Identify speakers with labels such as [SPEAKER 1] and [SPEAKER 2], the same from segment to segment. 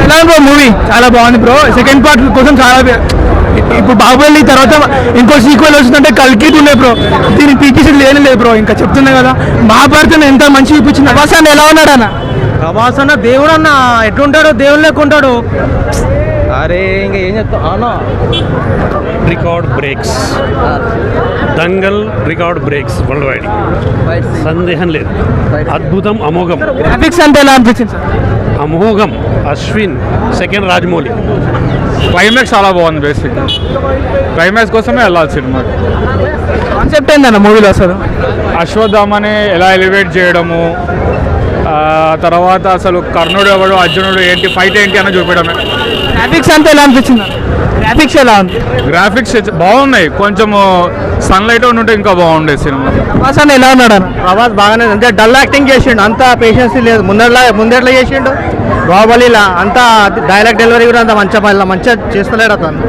[SPEAKER 1] ఎలా bro movie? చాలా బాగుంది బ్రో. సెకండ్ పార్ట్ కోసం చాలా ఇప్పుడు బాహుబలి తర్వాత ఇంకో సీక్వెల్ వస్తుందంటే కల్కి ఉండే బ్రో. దీన్ని పీకేసి లేని లేదు బ్రో. ఇంకా చెప్తున్నా కదా, మహాభారతం ఎంత మంచి చూపించింది. ప్రభాస్ అన్న ఎలా ఉన్నాడు అన్న?
[SPEAKER 2] ప్రభాస్ అన్న దేవుడు అన్న, ఎట్లుంటాడు దేవుడు లేకుంటాడు. అరే ఇంకా ఏం చెప్తా అన్న.
[SPEAKER 3] Record breaks, Dangal record breaks world wide, సందేహం లేదు. అద్భుతం, అమోఘం.
[SPEAKER 1] గ్రాఫిక్స్ అంటే ఎలా అనిపించింది సార్?
[SPEAKER 3] అమోఘం. అశ్విన్ సెకండ్ రాజమౌళి.
[SPEAKER 4] క్లైమాక్స్ చాలా బాగుంది. బేసిక్ క్లైమాక్స్ కోసమే వెళ్ళాలి సినిమా.
[SPEAKER 1] కాన్సెప్ట్ ఏందన్న మూవీలో అసలు?
[SPEAKER 4] అశ్వత్థామని ఎలా ఎలివేట్ చేయడము, తర్వాత అసలు కర్ణుడు ఎవడు, అర్జునుడు ఏంటి, ఫైట్ ఏంటి అని చూపించడమే.
[SPEAKER 1] గ్రాఫిక్స్ అంటే ఎలా అనిపించింది? గ్రాఫిక్స్ ఎలా ఉంది?
[SPEAKER 4] గ్రాఫిక్స్ బాగున్నాయి. కొంచెం సన్లైట్ ఉంటే ఇంకా బాగుండేది సినిమా.
[SPEAKER 1] ప్రభాస్ అన్న ఎలా ఉన్నాడు అన్న?
[SPEAKER 2] ప్రభాస్ బాగానే అంటే డల్ యాక్టింగ్ చేసిండు, అంత పేషెన్స్ లేదు. ముందెట్లా చేసిండు బాహుబలిలా, అంతా డైలాగ్ డెలివరీ కూడా అంత మంచిగా చేస్తలేడు అతను.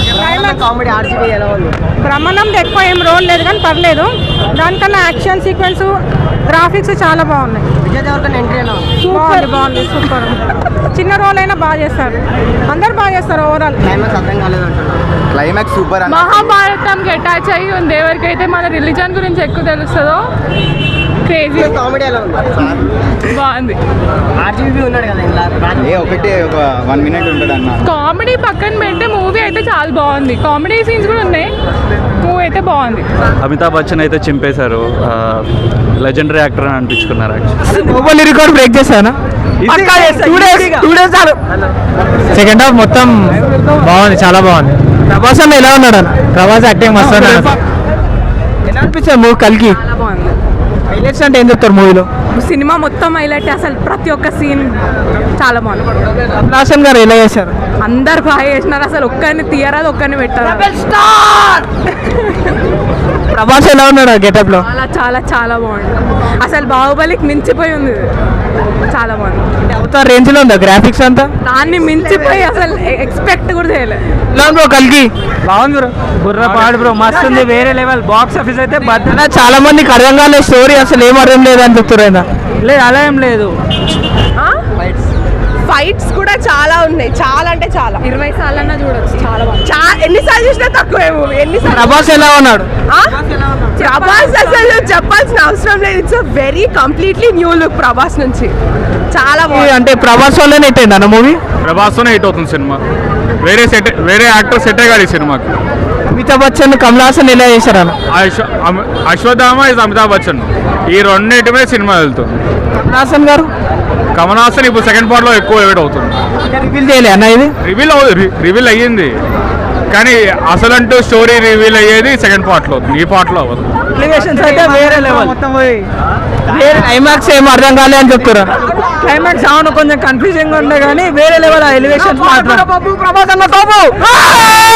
[SPEAKER 5] బ్రహ్మానంద్ ఎక్కువ ఏం రోల్ లేదు కానీ పర్లేదు. దానికన్నా యాక్షన్ సీక్వెన్స్, గ్రాఫిక్స్ చాలా బాగున్నాయి. బాగుంది సూపర్. చిన్న రోల్ అయినా బాగా చేస్తారు, అందరు బాగా చేస్తారు. Overall
[SPEAKER 6] climax super.
[SPEAKER 7] మహాభారతంకి అటాచ్ అయ్యి ఉంది. ఎవరికైతే మన రిలీజన్ గురించి ఎక్కువ తెలుస్తుందో క్రేజీ బాగుంది.
[SPEAKER 6] ఒకటి ఒక 1 minute ఉంటాడు అన్న.
[SPEAKER 7] కామెడీ పక్కన పెడితే మూవీ అయితే చాలా బాగుంది. కామెడీ సీన్స్ కూడా ఉన్నాయి. మూవీ అయితే బాగుంది.
[SPEAKER 8] అమితాబ్ బచ్చన్ అయితే చింపేశారు. లెజెండరీ యాక్టర్ అని అనిపించుకున్నారు.
[SPEAKER 1] బాహుబలి రికార్డ్ బ్రేక్ చేశానా? 2 days సెకండ్ హాఫ్ మొత్తం బాగుంది, చాలా బాగుంది. ప్రభాస్ అన్న ఎలా ఉన్నాడు అన్న? ప్రభాస్ యాక్టింగ్ మస్తు. ఎలా అనిపించారు మూవీ కల్కి?
[SPEAKER 5] బాగుంది.
[SPEAKER 1] హైలైట్స్ అంటే ఏం చెప్తారు మూవీలో?
[SPEAKER 5] సినిమా మొత్తం హైలైట్. అసలు ప్రతి ఒక్క సీన్ చాలా బాగుంది.
[SPEAKER 1] కమల్ గారు ఎలా చేశారు?
[SPEAKER 5] అందరు బాగా చేసినారు. అసలు ఒక్కరిని తీయరాదు, ఒక్కరిని పెట్టారు.
[SPEAKER 1] ప్రభాస్ ఎలా ఉన్నాడు గెటప్ లో?
[SPEAKER 5] చాలా చాలా చాలా బాగుంది. అసలు బాహుబలికి మించిపోయి ఉంది. చాలా బాగుంది.
[SPEAKER 1] అవతార్ రేంజ్ లో ఉందా గ్రాఫిక్స్ అంతా?
[SPEAKER 5] దాన్ని మించిపోయి అసలు ఎక్స్పెక్ట్ కూడా చేయలేదు.
[SPEAKER 1] ఎలా బ్రో కల్కి?
[SPEAKER 2] బాగుంది బ్రో. బుర్ర పాడు బ్రో, మస్తు ఉంది. వేరే లెవెల్. బాక్స్ ఆఫీస్ అయితే
[SPEAKER 1] చాలా మందికి అర్థం కాలేదు స్టోరీ, అసలు ఏం అర్థం లేదు అని చెప్తారు.
[SPEAKER 2] లేదు, అలా ఏం లేదు.
[SPEAKER 9] ఫైట్స్ కూడా చాలా ఉన్నాయి. చాలా అంటే చాలా.
[SPEAKER 5] 20 సార్లన్నా చూడొచ్చు. చాలా బాగుంది.
[SPEAKER 9] ఎన్నిసార్లు చూసినా తక్కువే మూవీ. ఎన్నిసార్లు.
[SPEAKER 1] ప్రభాస్ ఎలా ఉన్నాడు?
[SPEAKER 9] ప్రభాస్ అసలు చెప్పాల్సిన అవసరం లేదు. It's very completely new look Prabhas నుంచి. చాలా బాగుంది.
[SPEAKER 1] అంటే ప్రభాస్ వల్లనే హిట్ అయింది అన్న మూవీ?
[SPEAKER 4] ప్రభాస్తోనే హిట్ అవుతుంది సినిమా. వేరే యాక్టర్ సెట్ అయ్యాడు ఈ సినిమాకి.
[SPEAKER 1] అమితాబ్ బచ్చన్, కమల్ హాసన్ ఎలా చేశారు అన్న?
[SPEAKER 4] అశ్వత్థామ ఇస్ అమితాబ్ బచ్చన్. ఈ రెండింటిమే సినిమా వెళ్తుంది.
[SPEAKER 1] కమల్ హాసన్ గారు?
[SPEAKER 4] కమల్ హాసన్ ఇప్పుడు సెకండ్ పార్ట్ లో ఎక్కువ ఎవిడ్ అవుతుంది.
[SPEAKER 1] రివీల్ చేయలే అన్న ఇది?
[SPEAKER 4] రివీల్ అయ్యింది, కానీ అసలంటూ స్టోరీ రివీల్ అయ్యేది సెకండ్ పార్ట్ లో, ఈ పార్ట్ లో అవ్వదు.
[SPEAKER 2] ఎలివేషన్స్ అయితే వేరే లెవెల్.
[SPEAKER 1] క్లైమాక్స్ ఏం అర్థం కాలే అని చెప్తారా?
[SPEAKER 2] క్లైమాక్స్ అవును కొంచెం కన్ఫ్యూజింగ్ ఉండే కానీ వేరే లెవెల్ ఎలివేషన్స్ మాత్రం.
[SPEAKER 1] ప్రభాస్ అన్న